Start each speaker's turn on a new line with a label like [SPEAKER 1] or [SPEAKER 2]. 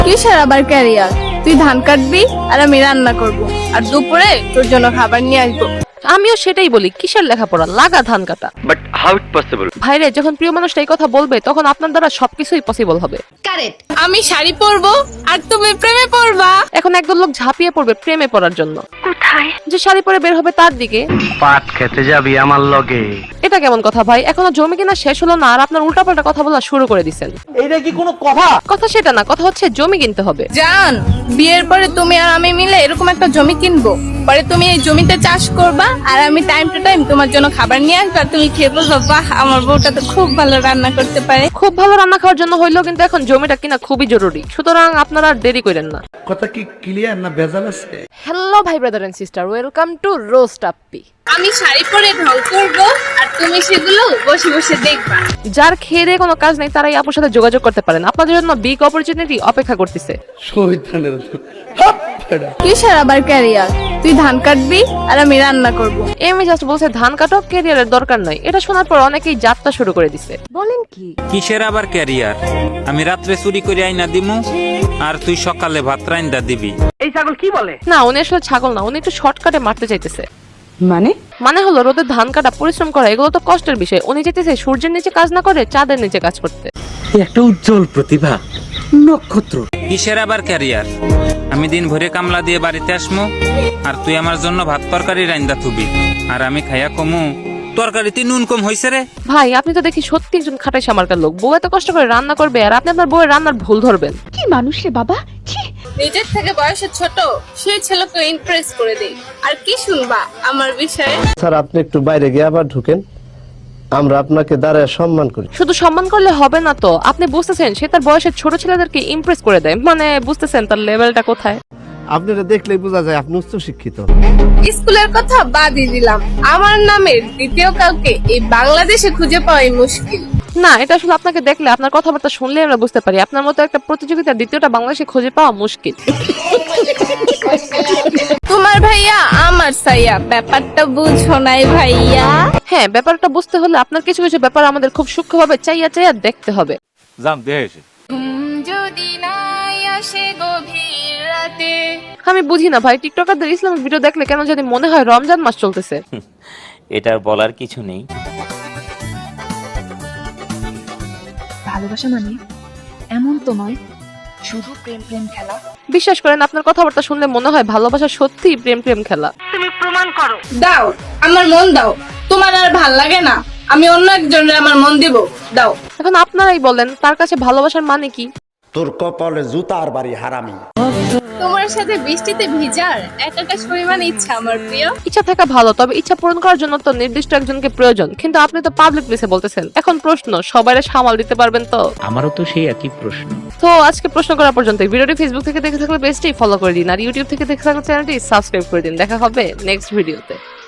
[SPEAKER 1] কিসের আবার ক্যারিয়ার? তুই ধান কাটবি আর আমি রান্না করব, আর দুপুরে তোর জন্য খাবার নিয়ে আসবো।
[SPEAKER 2] আমিও সেটাই বলি, কিসের লেখাপড়া, লাগা ধান কাটা।
[SPEAKER 3] But how it possible?
[SPEAKER 2] ভাইরে, যখন প্রিয় মানুষটা এই কথা বলবে তখন আপনার দ্বারা সবকিছুই পসিবল হবে।
[SPEAKER 1] আমি শাড়ি পরবো আর তুমি প্রেমে পড়বা।
[SPEAKER 2] এখন একদল লোক ঝাঁপিয়ে পড়বে প্রেমে পড়ার জন্য। কোথায়? যে শাড়ি পরে বের হবে তার দিকে।
[SPEAKER 3] পাট খেতে যাবি আমার লগে।
[SPEAKER 2] এটা কেমন কথা ভাই? এখনো জমি কিনা শেষ হলো না আর আপনার উল্টাপাল্টা কথা বলা শুরু করে দিচ্ছেন।
[SPEAKER 4] এইটা কি কোনো কথা?
[SPEAKER 2] কথা সেটা না, কথা হচ্ছে জমি কিনতে হবে।
[SPEAKER 1] জান, বিয়ের পরে তুমি আর আমি মিলে এরকম একটা জমি কিনবো, পরে তুমি এই জমিতে চাষ করবা আর আমি টাইম টু টাইম তোমার জন্য খাবার নিয়ে আসবো, আর তুমি খেয়ে বলবো বাহ আমার বউটা তো খুব ভালো রান্না করতে পারে।
[SPEAKER 2] খুব ভালো রান্না খাওয়ার জন্য হইলেও কিন্তু এখন জমিটা কিনা খুবই জরুরি, সুতরাং আপনারা আর দেরি করেন না।
[SPEAKER 4] কথা কি ক্লিয়ার না ভেজাল আছে?
[SPEAKER 2] হ্যালো ভাই brother and sister, welcome to roast Appi.
[SPEAKER 1] আমি শাড়ি পরে ঢং করবো আর তুমি সেগুলো বসে বসে দেখবা।
[SPEAKER 2] যার খেয়ে দিয়ে কোনো কাজ নেই তারাই আপুর সাথে যোগাযোগ করতে পারেন, আপনাদের জন্য বিগ অপরচুনিটি অপেক্ষা করতেছে।
[SPEAKER 4] শয়তানের
[SPEAKER 1] কিসের আবার ক্যারিয়ার? তুই ধান কাটবি আর আমি রান্না করব।
[SPEAKER 2] এমনি জাস্ট বলছে ধান কাটো, ক্যারিয়ারের দরকার নাই। এটা শোনার পর অনেকেই যাত্রা শুরু করে দিছে। বলেন কি?
[SPEAKER 5] কিসের আবার ক্যারিয়ার? আমি রাত্রে চুরি করে আইনা দিমু আর তুই সকালে ভাত রাইন্দা দিবি।
[SPEAKER 2] না, উনি আসলে ছাগল না, উনি একটু শর্টকাটে মারতে চাইতেছে। মানে হলো রোদে ধান কাটা, পরিশ্রম করা, এগুলো তো কষ্টের বিষয়। উনি চাইতেছে সূর্যের নিচে কাজ না করে চাঁদের নিচে কাজ করতে।
[SPEAKER 6] একটা উজ্জ্বল প্রতিভা, নক্ষত্র।
[SPEAKER 5] কিসের আবার ক্যারিয়ার? আমি দিন ভরে কামলা দিয়ে বাড়িতে আসমু আর তুই আমার জন্য ভাত তরকারি রাইন্দা থুবি আর আমি খাইয়া কমু তরকারিতে নুন কম হইছে রে।
[SPEAKER 2] ভাই, আপনি তো দেখি সত্যি একজন খাটাই সামার্কার লোক। বউ এত কষ্ট করে রান্না করবে আর আপনি আপনার বউয়ের রান্নার ভুল ধরবেন।
[SPEAKER 7] কি মানুষ রে বাবা!
[SPEAKER 1] নিজের থেকে বয়সে ছোট সেই ছেলেকে ইমপ্রেস করে দেই। আর কি শুনবা আমার বিষয়ে?
[SPEAKER 8] স্যার, আপনি একটু বাইরে গিয়ে আবার ঢুকেন, আমরা আপনাকে দাঁড়ায় সম্মান করি।
[SPEAKER 2] শুধু সম্মান করলে হবে না তো, আপনি বুঝতেছেন সে তার বয়সের ছোট ছেলেদেরকে ইমপ্রেস করে দেয়, মানে বুঝতেছেন তার লেভেলটা কোথায়।
[SPEAKER 8] আপনারা দেখলেই বোঝা যায় আপনি উচ্চ শিক্ষিত।
[SPEAKER 1] স্কুলের কথা বাদই দিলাম, আমার নামের দ্বিতীয় কাউকে এই বাংলাদেশে খুঁজে পাওয়াই মুশকিল।
[SPEAKER 2] না, এটা আসলে আপনাকে দেখলে, আপনার কথাবার্তা শুনলে আমরা বুঝতে পারি আপনার মতো একটা প্রতিযোগিতার দ্বিতীয়টা বাংলাদেশে খুঁজে পাওয়া মুশকিল।
[SPEAKER 1] তোমার ভাইয়া আমার সাইয়া, ব্যাপারটা বুঝো নাই ভাইয়া।
[SPEAKER 2] হ্যাঁ, ব্যাপারটা বুঝতে হলে আপনার কিছু কিছু ব্যাপার আমাদের খুব সূক্ষ্মভাবে চাইয়া চাইয়া দেখতে হবে।
[SPEAKER 1] যদি নাই আসে গভীর রাতে।
[SPEAKER 2] আমি বুঝি না ভাই, টিকটকারদের ইসলামিক ভিডিও দেখলে কেন জানি মনে হয় রমজান মাস চলতেছে।
[SPEAKER 5] এটার বলার কিছু নেই।
[SPEAKER 7] ভালোবাসা মানে এমন তো নয় শুধু প্রেম প্রেম খেলা।
[SPEAKER 2] বিশ্বাস করেন, আপনার কথাবার্তা শুনলে মনে হয় ভালোবাসা সত্যিই প্রেম প্রেম খেলা।
[SPEAKER 1] দাও আমার মন দাও, তোমার আর ভাল লাগে না, আমি অন্য একজনের আমার মন দিব, দাও।
[SPEAKER 2] এখন আপনারাই বলেন তার কাছে ভালোবাসার মানে কি?
[SPEAKER 4] তোর কপালে জুতার বাড়ি হারামি।
[SPEAKER 1] তোমার সাথে বৃষ্টিতে ভিজার এক আকাশ পরিমাণ ইচ্ছা আমার প্রিয়।
[SPEAKER 2] ইচ্ছা থাকা ভালো, তবে ইচ্ছা পূরণ করার জন্য তো নির্দিষ্ট একজনকে প্রয়োজন। কিন্তু আপনি তো পাবলিক প্লেসে বলতেছেন। এখন প্রশ্ন, সবাইরে সামাল দিতে পারবেন তো?
[SPEAKER 6] আমারও তো সেই একই প্রশ্ন।
[SPEAKER 2] তো আজকে প্রশ্ন করা পর্যন্ত। ভিডিওটি ফেসবুক থেকে দেখে থাকলে পেজটি ফলো করে দিন আর ইউটিউব থেকে দেখে থাকলে চ্যানেলটি সাবস্ক্রাইব করে দিন। দেখা হবে নেক্সট ভিডিওতে।